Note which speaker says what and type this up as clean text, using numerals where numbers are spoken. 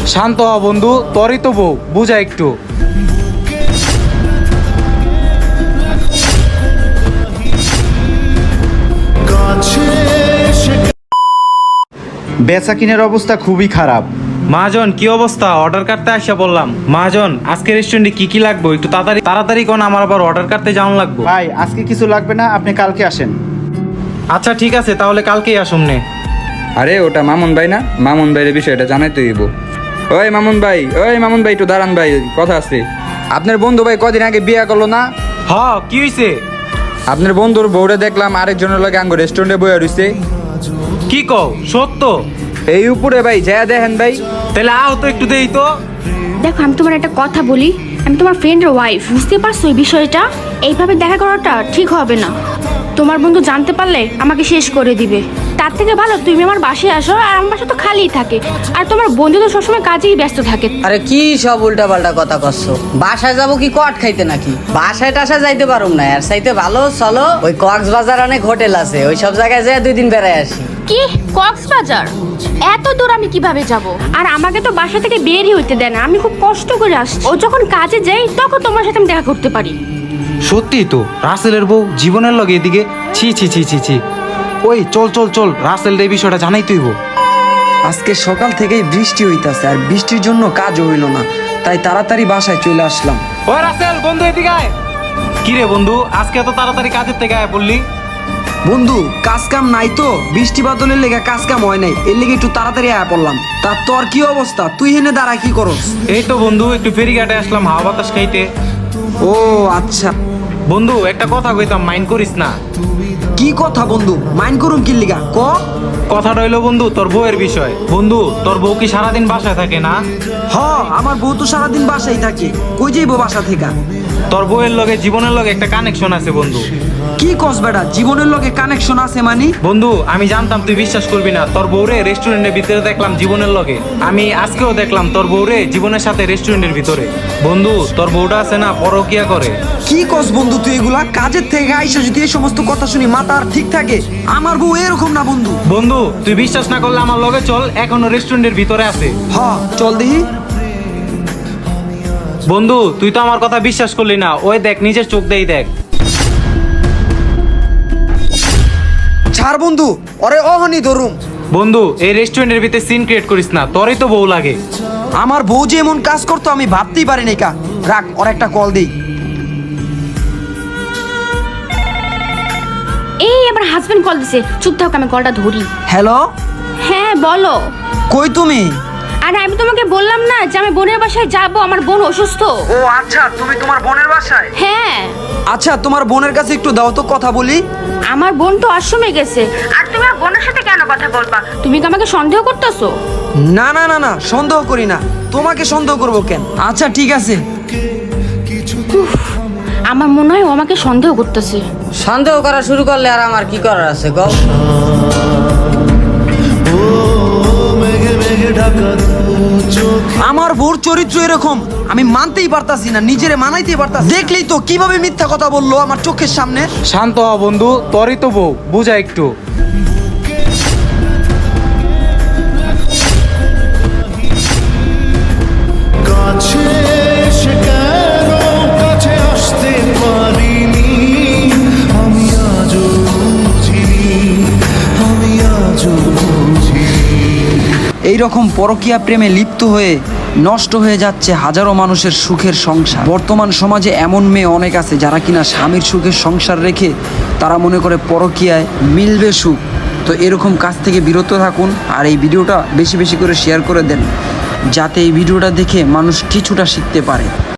Speaker 1: শান্ত হ বন্ধু, তোরই তো বউ, বুঝা একটু।
Speaker 2: বেচা কিনের অবস্থা খুবই খারাপ।
Speaker 1: মহাজন কি অবস্থা? অর্ডার করতে আসা বললাম। মহাজন আজকে রেস্টুরেন্টে কি কি লাগবে একটু তাড়াতাড়ি তাড়াতাড়ি কোন, আমার আবার অর্ডার করতে যাওয়ান লাগবে।
Speaker 2: ভাই আজকে কিছু লাগবে না, আপনি কালকে আসেন।
Speaker 1: আচ্ছা ঠিক আছে, তাহলে কালকেই আসুন নে।
Speaker 3: আরে ওটা মামুন ভাই না? মামুন ভাইয়ের বিষয়টা জানাইতে হইব। ওই মামুন ভাই, একটু দাঁড়ান ভাই, কথা আছে। আপনার বন্ধু ভাই কদিন আগে বিয়ে করলো না?
Speaker 1: হ, কি হইছে?
Speaker 3: আপনার বন্ধুর বউরে দেখলাম আরেকজনের লগে আঙ্গ রেস্টুরেন্টে বইয়া রইছে।
Speaker 1: কি কও, সত্য?
Speaker 3: এই উপরে ভাই যা দেখেন ভাই।
Speaker 1: তাহলে আও তো একটু দেই তো।
Speaker 4: দেখো, আমি তোমার একটা কথা বলি, আমি তোমার ফ্রেন্ডের ওয়াইফ, বুঝতে পারছো এই বিষয়টা? এইভাবে দেখা করাটা ঠিক হবে না। তোমার বন্ধু জানতে পারলে আমাকে শেষ করে দিবে। তার থেকে ভালো তুমি আমার বাসায় আসো, আর আমার বাসা তো খালিই থাকে, আর তোমার বন্ধু তো সবসময় কাজেই ব্যস্ত থাকে।
Speaker 5: আরে কি সব উল্টা পাল্টা কথা করছো? বাসায় যাবো কি কট খাইতে নাকি? বাসায় টাসায় যাইতে পারুম না, আর চাইতে ভালো চলো ওই কক্সবাজার অনেক হোটেল আছে, ওই সব জায়গায় যেয়ে 2 দিন বেড়ায় আসি।
Speaker 4: কি কক্সবাজার? এত দূর আমি কিভাবে যাব? আর আমাকে তো বাসা থেকে বেরই হইতে দেয় না, আমি খুব কষ্ট করে আসছি। ও যখন কাজে যাই তখন তোমার সাথে আমি দেখা করতে পারি।
Speaker 1: সত্যি তো, রাসেলের বউ জীবনের লগে এদিকে। ছি ছি ছি ছি ছি। ওই চল চল চল, রাসেল এই বিষয়টা জানাই তুইব।
Speaker 6: আজকে সকাল থেকেই বৃষ্টি হইতাছে, আর বৃষ্টির জন্য কাজও হইল না, তাই তাড়াতাড়ি বাসায় চলে আসলাম।
Speaker 1: ওই রাসেল বন্ধু এদিকে আয়। কি রে বন্ধু, আজকে এত তাড়াতাড়ি কাজের থেকে আয় পড়লি?
Speaker 6: বন্ধু কাজ কাম নাই তো, বৃষ্টি বাদলের লেগে কাজ কাম হয় নাই, এর লেগে একটু তাড়াতাড়ি আয়া পড়লাম। তা তোর কি অবস্থা? তুই হেনে দাঁড়া কি করস?
Speaker 1: এই তো বন্ধু একটু ফেরিঘাটে আসলাম হাওয়া বাতাস খাইতে।
Speaker 6: ও আচ্ছা।
Speaker 1: বন্ধু একটা কথা কইতাম, মাইন্ড করিস না।
Speaker 6: কি কথা বন্ধু? মাইন্ড করুম কি লিগা ক?
Speaker 1: কথাটা হইলো বন্ধু তোর বউয়ের বিষয়। বন্ধু তোর বউ কি সারাদিন বাসায় থাকে না?
Speaker 6: হ, আমার বউ তো সারাদিন বাসায় থাকে, কই যাইবো বাসা থেকে?
Speaker 1: তোর বউয়ের লগে জীবনের লগে একটা কানেকশন আছে বন্ধু।
Speaker 6: কি কস বেটা, জীবনের লগে কানেকশন আছে মানে?
Speaker 1: বন্ধু আমি জানতাম তুই বিশ্বাস করবি না, তোর বউরে রেস্টুরেন্টের ভিতরে দেখলাম জীবনের লগে। আমি আজকেও দেখলাম তোর বউরে জীবনের সাথে রেস্টুরেন্টের ভিতরে। বন্ধু তোর বউটা আছে না, পরকিয়া করে।
Speaker 6: কি কস বন্ধু তুই এগুলা? কাজের থেকে আইসা যদি এই সমস্ত কথা শুনি মাথা আর ঠিক থাকে? আমার বউ এরকম না বন্ধু।
Speaker 1: বন্ধু তুই বিশ্বাস না করলে আমার লগে চল, এখনো রেস্টুরেন্টের ভিতরে আছে।
Speaker 6: হ চল দেখি।
Speaker 1: বন্ধু তুই তো আমার কথা বিশ্বাস করলি না, ওই দেখ নিজের চোখ দেই দেখ।
Speaker 6: ছাড় বন্ধু, ওরে অহনি ধরুম।
Speaker 1: বন্ধু এই রেস্টুরেন্টের ভিতরে সিন ক্রিয়েট করিস না, তোরই তো বউ লাগে।
Speaker 6: আমার বউ যে এমন কাজ করতো আমি ভাবতেই পারি নাই কা। রাখ, ওর একটা কল দেই।
Speaker 4: এই আমার হাজবেন্ড কল দিছে, চুপ থাক, আমি কলটা ধরি।
Speaker 6: হ্যালো,
Speaker 4: হ্যাঁ বলো।
Speaker 6: কই তুমি?
Speaker 4: আরে আমি তোমাকে বললাম না যে আমি বোনের বাসায় যাব, আমার বোন অসুস্থ।
Speaker 6: ও আচ্ছা, তুমি তোমার বোনের বাসায়?
Speaker 4: হ্যাঁ।
Speaker 6: আচ্ছা, তোমার বোনের কাছে একটু দাও তো, কথা বলি।
Speaker 4: আমার বোন তো আশ্রমে গেছে, আর তুমি আমার বোনের সাথে কেন কথা বলবা? তুমি কি আমাকে সন্দেহ করতেছো?
Speaker 6: না না না না, সন্দেহ করি না, তোমাকে সন্দেহ করবো কেন? আচ্ছা ঠিক আছে।
Speaker 4: আমার মনে হয় ও আমাকে সন্দেহ করতেছে।
Speaker 5: সন্দেহ করা শুরু করলে আর আমার কি করার আছে গো?
Speaker 6: আমার বউর চরিত্র এরকম আমি মানতেই পারতাছি না, নিজেরে মানাইতেই পারতাছি। দেখলেই তো কিভাবে মিথ্যা কথা বললো আমার চোখের সামনে।
Speaker 1: শান্ত হ বন্ধু, তোরই তো বউ, বুঝা একটু।
Speaker 6: এই রকম পরকীয়া প্রেমে লিপ্ত হয়ে নষ্ট হয়ে যাচ্ছে হাজারো মানুষের সুখের সংসার। বর্তমান সমাজে এমন মেয়ে অনেক আছে যারা কিনা স্বামীর সুখের সংসার রেখে তারা মনে করে পরকীয়ায় মিলবে সুখ। তো এরকম কাজ থেকে বিরত থাকুন, আর এই ভিডিওটা বেশি বেশি করে শেয়ার করে দেন, যাতে এই ভিডিওটা দেখে মানুষ কিছুটা শিখতে পারে।